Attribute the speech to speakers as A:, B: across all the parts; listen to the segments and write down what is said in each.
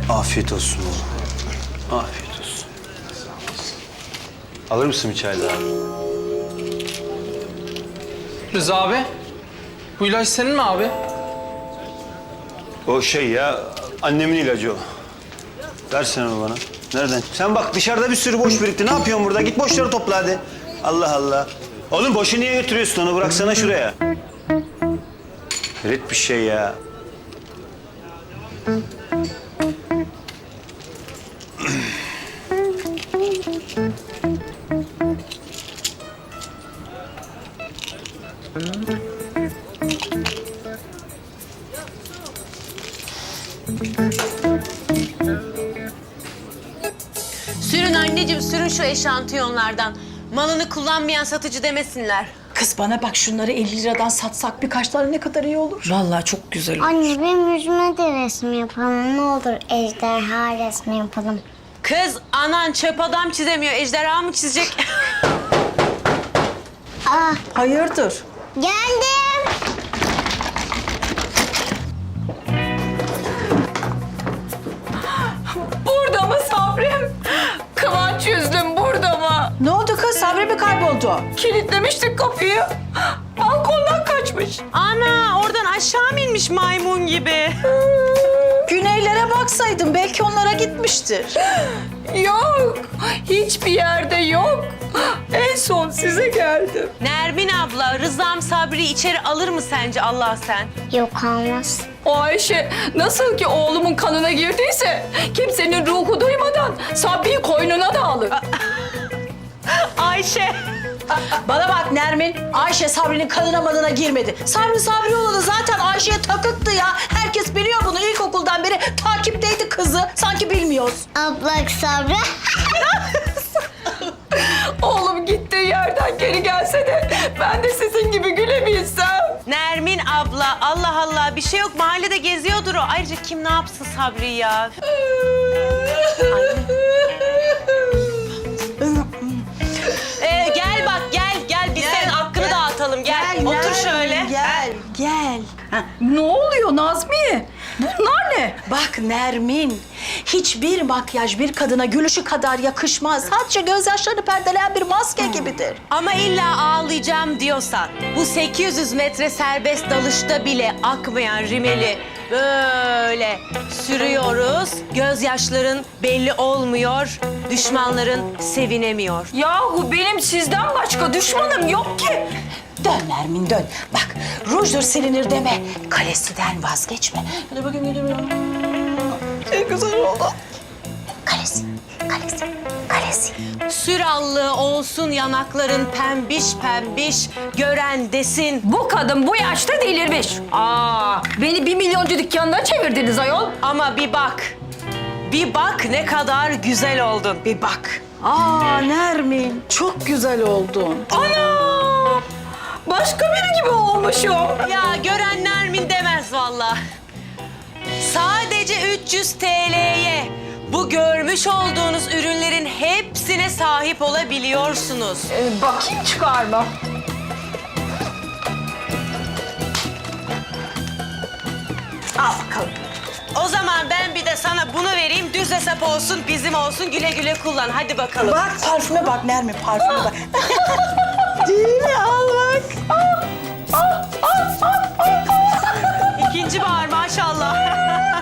A: Afiyet olsun oğlum. Afiyet olsun. Alır mısın bir çay daha?
B: Rıza abi, bu ilaç senin mi abi?
A: O şey ya, annemin ilacı o. Versene onu bana. Nereden? Sen bak dışarıda bir sürü boş birikti. Ne yapıyorsun burada? Git boşları topla hadi. Allah Allah. Oğlum boşu niye götürüyorsun onu? Bıraksana şuraya. Hayret bir şey ya.
C: Sürün anneciğim, sürün şu eşantiyonlardan. Malını kullanmayan satıcı demesinler.
D: Kız bana bak, şunları 50 liradan satsak birkaç tane ne kadar iyi olur.
E: Vallahi çok güzel olur.
F: Anne benim yüzüme de resim yapalım. Ne olur ejderha resmi yapalım.
C: Kız, anan çöp adam çizemiyor, ejderha mı çizecek?
D: Hayırdır?
F: Geldim.
E: Burada mı Sabrım? Kıvanç yüzlüm burada mı?
D: Ne oldu kız? Sabri mi kayboldu?
E: Kilitlemiştik kapıyı. Balkondan kaçmış.
C: Ana, oradan aşağı mı inmiş maymun gibi?
D: Güneylere baksaydın belki onlara gitmiştir.
E: Yok. Hiçbir yerde yok. En son size geldim.
C: Nermin abla, Rıza'm Sabri'yi içeri alır mı sence Allah sen?
F: Yok almaz.
E: O Ayşe nasıl ki oğlumun kanına girdiyse kimsenin ruhu duymadan Sabri'yi koynuna da alır.
C: Ayşe.
D: Bana bak Nermin, Ayşe Sabri'nin kanına manına girmedi. Sabri oğlu zaten Ayşe'ye takıktı ya. Herkes biliyor bunu, ilkokuldan beri takipteydi kızı. Sanki bilmiyoruz.
F: Ablak Sabri.
E: Oğlum gittiği yerden geri gelse de ben de sizin gibi gülebilsem.
C: Nermin abla, Allah Allah bir şey yok. Mahallede geziyordur o. Ayrıca kim ne yapsın Sabri ya? Gel bak, gel. Biz senin hakkını dağıtalım. Gel, otur
D: Nermin,
C: şöyle.
D: Gel.
E: Ne oluyor Nazmiye? Bunlar ne?
D: Bak Nermin, hiçbir makyaj bir kadına gülüşü kadar yakışmaz. Sadece gözyaşlarını perdeleyen bir maske gibidir.
C: Ama illa ağlayacağım diyorsan, bu 800 metre serbest dalışta bile akmayan rimeli böyle sürüyoruz. Gözyaşların belli olmuyor, düşmanların sevinemiyor.
E: Yahu benim sizden başka düşmanım yok ki.
D: Dön Nermin dön. Bak rujdur silinir deme. Kalesiden vazgeçme. Hadi bakayım gidiyorum. Ne güzel oldu. Kalesi.
C: Sür allığı olsun yanakların pembiş pembiş, gören desin.
E: Bu kadın bu yaşta delirmiş. Beni 1 milyoncu dükkanına çevirdiniz ayol.
C: Ama bir bak ne kadar güzel oldun. Bir bak.
D: Nermin çok güzel oldun.
E: Ana! Başka biri gibi olmuşum.
C: Ya gören Nermin demez vallahi. Sadece 300 TL'ye bu görmüş olduğunuz ürünlerin hepsine sahip olabiliyorsunuz.
E: Bakayım çıkarma.
D: Al bakalım.
C: O zaman ben bir de sana bunu vereyim, düz hesap olsun, bizim olsun, güle güle kullan. Hadi bakalım.
D: Bak parfüme bak Nermin, parfüme bak. Değil mi? Al bak.
C: İkinci bahar maşallah.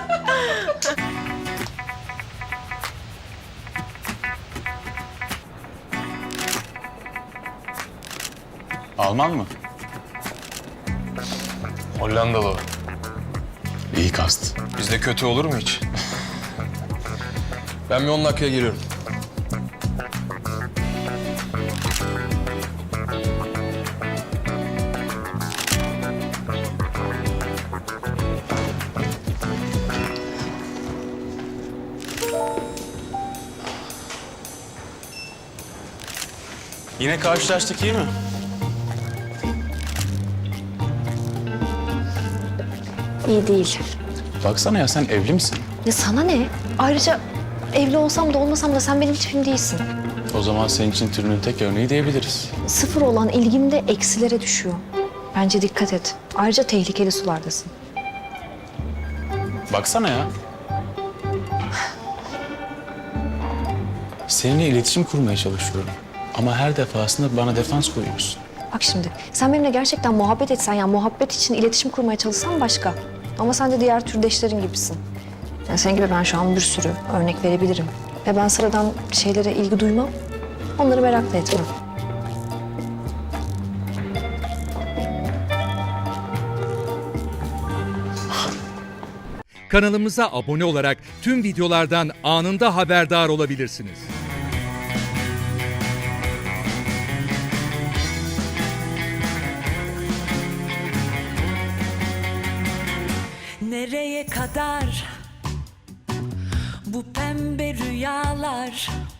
G: Alman mı?
H: Hollandalı o.
G: İyi kast.
H: Bizde kötü olur mu hiç? Ben bir 10 dakikaya geliyorum.
G: Yine karşılaştık, iyi mi?
I: İyi değil.
G: Baksana ya, sen evli misin?
I: Ya sana ne? Ayrıca evli olsam da olmasam da sen benim tipim değilsin.
G: O zaman senin için türünün tek örneği diyebiliriz.
I: Sıfır olan ilgim de eksilere düşüyor. Bence dikkat et. Ayrıca tehlikeli sulardasın.
G: Baksana ya. Seninle iletişim kurmaya çalışıyorum. Ama her defasında bana defans koyuyorsun.
I: Bak şimdi sen benimle gerçekten muhabbet etsen ya muhabbet için iletişim kurmaya çalışsan başka. Ama sen de diğer türdeşlerin gibisin. Yani senin gibi ben şu an bir sürü örnek verebilirim. Ve ben sıradan şeylere ilgi duymam. Onları merak da etmem.
J: Kanalımıza abone olarak tüm videolardan anında haberdar olabilirsiniz.
K: Nereye kadar bu pembe rüyalar?